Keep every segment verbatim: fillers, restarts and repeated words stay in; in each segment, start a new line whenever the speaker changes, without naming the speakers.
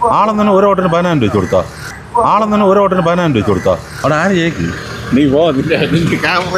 ആളെന്നെ ഒരു ഓട്ടിന് പതിനായിരം രൂപ വെച്ച് കൊടുത്താ ആളെന്നെ ഒരു ഓട്ടിന് പതിനായിരം രൂപ വെച്ച് കൊടുത്താ അവിടെ ആര് ജയിക്കും?
നീ പോ നിന്റെ നിന്റെ ക്യാമറ.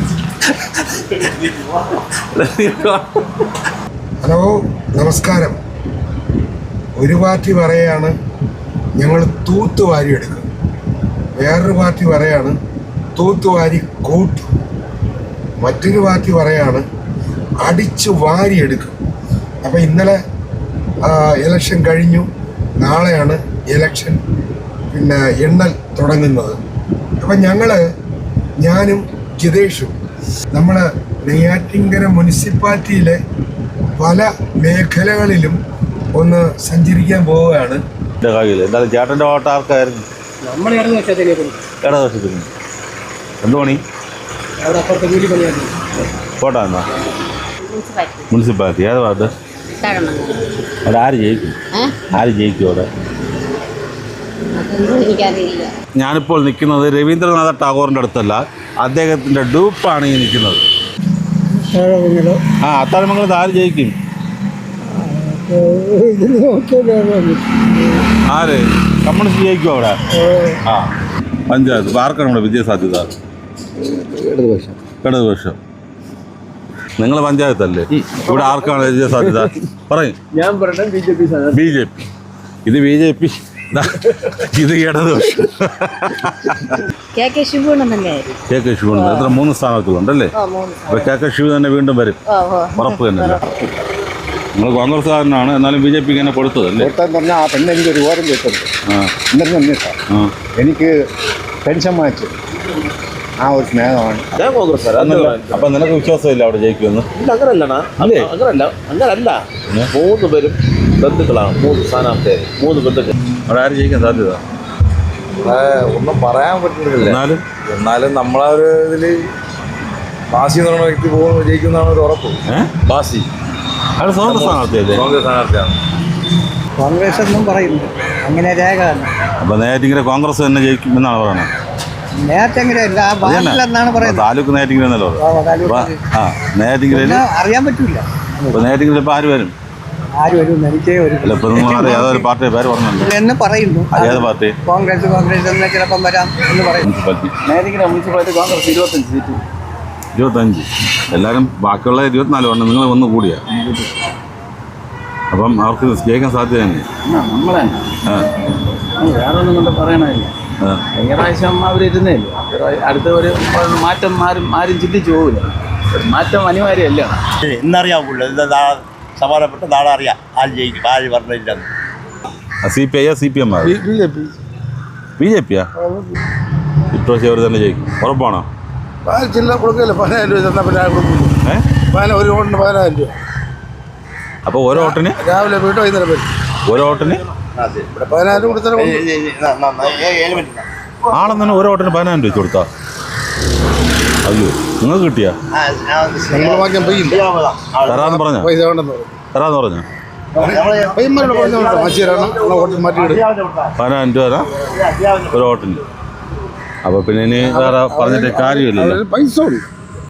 ഹലോ, നമസ്കാരം. ഒരു പാർട്ടി പറയാണ് ഞങ്ങൾ തൂത്തുവാരി എടുക്കും, വേറൊരു പാർട്ടി പറയാണ് തൂത്തുവാരി കൂട്ടും, മറ്റൊരു പാർട്ടി പറയാണ് അടിച്ചു വാരി എടുക്കും. അപ്പം ഇന്നലെ ഇലക്ഷൻ കഴിഞ്ഞു, നാളെയാണ് ഇലക്ഷൻ പിന്നെ എണ്ണൽ തുടങ്ങുന്നത്. അപ്പം ഞങ്ങൾ ഞാനും ജിതേഷും നമ്മൾ നെയ്യാറ്റിൻകര മുനിസിപ്പാലിറ്റിയിലെ പല മേഖലകളിലും ഒന്ന് സഞ്ചരിക്കാൻ പോവുകയാണ്.
എന്തായാലും ചേട്ടൻ്റെ ഓട്ട ആർക്കായിരുന്നു? ഇടതുവശത്തിന് എന്ത് പണി? കോട്ട എന്നാ മുനിസിപ്പാലിറ്റി ഏത് ഭാഗത്ത്? അവിടെ ആര് ജയിക്കും? ആര് ജയിക്കും അവിടെ? ഞാനിപ്പോൾ നിൽക്കുന്നത് രവീന്ദ്രനാഥ ടാഗോറിൻ്റെ അടുത്തല്ല, അദ്ദേഹത്തിൻ്റെ ഡൂപ്പാണ് ഈ നിൽക്കുന്നത്. ആ അത്താഴമംഗലത്ത് ആര് ജയിക്കും? ആര് കമ്മ്യൂണിസ്റ്റ് ജയിക്കും അവിടെ? ആ പഞ്ചായത്ത് ആർക്കാണ് ഇവിടെ വിജയസാധ്യത? ഇടതുപക്ഷം. ഇടതുപക്ഷം. നിങ്ങൾ പഞ്ചായത്തല്ലേ, ഇവിടെ ആർക്കാണ് വിജയസാധ്യത? പറയും. ഞാൻ പറയട്ടെ B J P. B J P. ഇത് ബി ജെ പി, ഇത് ഇടതുപക്ഷം. കെ കെ ശിവൻ എത്ര മൂന്ന് സ്ഥാനാർത്ഥികളുണ്ടല്ലേ? അപ്പൊ കെ കെ ശിവ തന്നെ വീണ്ടും വരും, ഉറപ്പ് തന്നെയല്ല. നിങ്ങൾ കോൺഗ്രസ്സുകാരനാണ്, എന്നാലും ബി ജെ പിക്ക് തന്നെ കൊടുത്തതല്ലേ?
പറഞ്ഞാൽ ആ പെണ്ണ് എനിക്ക് ഒരു ഓരം കേട്ടത് എനിക്ക് പെൻഷൻ മാറ്റി ആ ഒരു സ്നേഹമാണ്.
അപ്പൊ നിനക്ക് വിശ്വാസമില്ല അവിടെ ജയിക്കുമെന്ന്?
അങ്ങനല്ലണ, അങ്ങനല്ല അങ്ങനല്ല മൂന്ന് പേരും ബന്ധുക്കളാണ്, മൂന്ന് സ്ഥാനാർത്ഥിയായി മൂന്ന് ബന്ധുക്കൾ.
അവിടെ ആര് ജയിക്കാൻ സാധ്യത?
ഒന്നും പറയാൻ പറ്റുന്നില്ല.
എന്നാലും
എന്നാലും നമ്മളെ ഒരു ഇതില് ബാസി എന്ന് പറയുന്ന വ്യക്തി പോകുന്ന ജയിക്കുന്നതാണ് ഒരു ഉറപ്പ്.
ബാസി അത് സ്വന്തം സ്ഥാനാർത്ഥിയല്ലേ?
കോൺഗ്രസ് സ്ഥാനാർത്ഥിയാണ്.
കോൺഗ്രസ് എന്നും പറയുന്നു, അങ്ങനെ രേഖ തന്നെ.
അപ്പൊ നേരത്തെ കോൺഗ്രസ് തന്നെ ജയിക്കും എന്നാണ് പറയുന്നത്? താലൂക്ക് നേരത്തെ എന്നല്ലോ. ആ നേരത്തെ
അറിയാൻ പറ്റൂല.
ഇപ്പൊ നേരത്തെ ഇപ്പൊ ആര് വരും?
ആര് വരും എനിക്ക്
അല്ല ഇപ്പൊ നിങ്ങൾ ഏതൊരു പാർട്ടിയുടെ പേര് പറഞ്ഞിട്ടുണ്ട്
എന്ന് പറയുന്നു.
ഏത് പാർട്ടി?
കോൺഗ്രസ്. കോൺഗ്രസ് എന്ന് ചിലപ്പം വരാം എന്ന് പറയും.
നേരത്തെ മുനിസിപ്പാലിറ്റി കോൺഗ്രസ് ഇരുപത്തഞ്ച് സീറ്റ്.
ഇരുപത്തഞ്ച്. എല്ലാവരും ബാക്കിയുള്ള ഇരുപത്തിനാല് ഉണ്ട്, നിങ്ങൾ ഒന്ന് കൂടിയാ. അപ്പം അവർക്ക് ജയിക്കാൻ സാധ്യതയാണ്.
നമ്മളെ വേറെ ഒന്നും കൊണ്ട് പറയണില്ല. കഴിഞ്ഞ പ്രാവശ്യം അവരിരുന്നേ അടുത്ത ഒരു മാറ്റം ആരും ആരും ചിന്തിച്ചു പോകില്ല. മാറ്റം അനിവാര്യമല്ല.
എന്നറിയാവുള്ളൂ, സമാധാനപ്പെട്ട് നാളെ അറിയാം ആര് ജയിക്കും ആര് പറഞ്ഞില്ലെന്ന്.
C P I C P M
B J P.
B J പിയാ ഇപ്രാവശ്യം അവർ തന്നെ ജയിക്കും, ഉറപ്പാണോ?
ചില്ല കൊടുക്കില്ല, പതിനായിരം രൂപ തന്നാൽ പിന്നെ കൊടുക്കും. ഒരു ഓട്ടിന് പതിനായിരം രൂപ.
അപ്പോൾ ഓരോ ഓട്ടിന്
രാവിലെ പോയിട്ട് വൈകുന്നേരം വരും.
ഓരോ ഓട്ടിന്
പതിനായിരം കൊടുത്താൽ
ആളെന്നെ ഒരു ഓട്ടിന് പതിനായിരം രൂപ വെച്ച് കൊടുത്താ? അയ്യോ, നിങ്ങൾക്ക് കിട്ടിയാ? തരാന്ന് പറഞ്ഞ തരാന്ന് പറഞ്ഞ പതിനായിരം രൂപ തരാം ഒരു ഓട്ടിന്. അപ്പോൾ പിന്നെ ഇനി വേറെ പറഞ്ഞിട്ട് കാര്യമില്ലല്ലോ.
പൈസ